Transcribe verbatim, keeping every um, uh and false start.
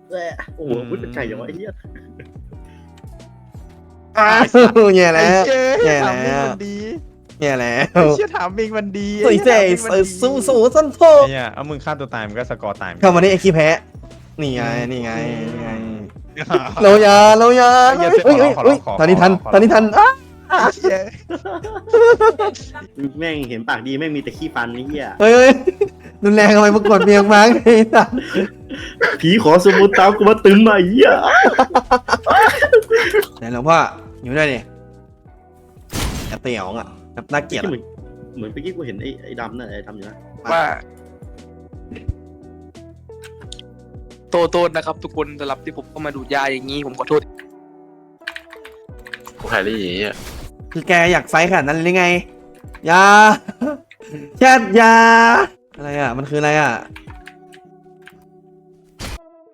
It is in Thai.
โอ้โหพูดเป็นไก่อย่างวะไอ้เหี้ยอ้าวแย่แล้วแย่ถามแล้มิงวมันดีแย่แล้วไอ้เชี่ยถามมิงมันดีสวยเจ๋สู้สู้สั้นโทไอ้เนี่ยเอามึงฆ่าตัวตายมันก็สกอร์ตายเข้ามานี่ไอ้ขี้แพ้นี่ไงนี่ไงนี่ไงเรายาเรายาเฮ้ยเฮ้ยเฮ้ยตอนนี้ทันตอนนี้ทันอ้าเชี่ยแม่งเห็นปากดีแม่งมีแต่ขี้ฟันไอ้เหี้ยเฮ้ยเฮ้ยรุนแรงทำไมมากดเมียงมั้งไอ้สัสผีขอสมุนตามกูมาตึงมาไอ้เหี้ยไหนหลวงพ่ออยู่ด้วยดิแอบเตี๋ยวอ่ะแบบน่าเกลียดเหมือนเหมือนเมื่อกี้กูเห็นไอ้ไอ้ดำนั่นไอ้ทำอยู่นะว่าโทษโทษนะครับทุกคนสำหรับที่ผมเข้ามาดูดยาอย่างนี้ผมขอโทษกูแฮร์รี่อ่ะคือแกอยากไฟขนาดนั้นเลยไงยาแชทยาอะไรอ่ะมันคืออะไรอ่ะ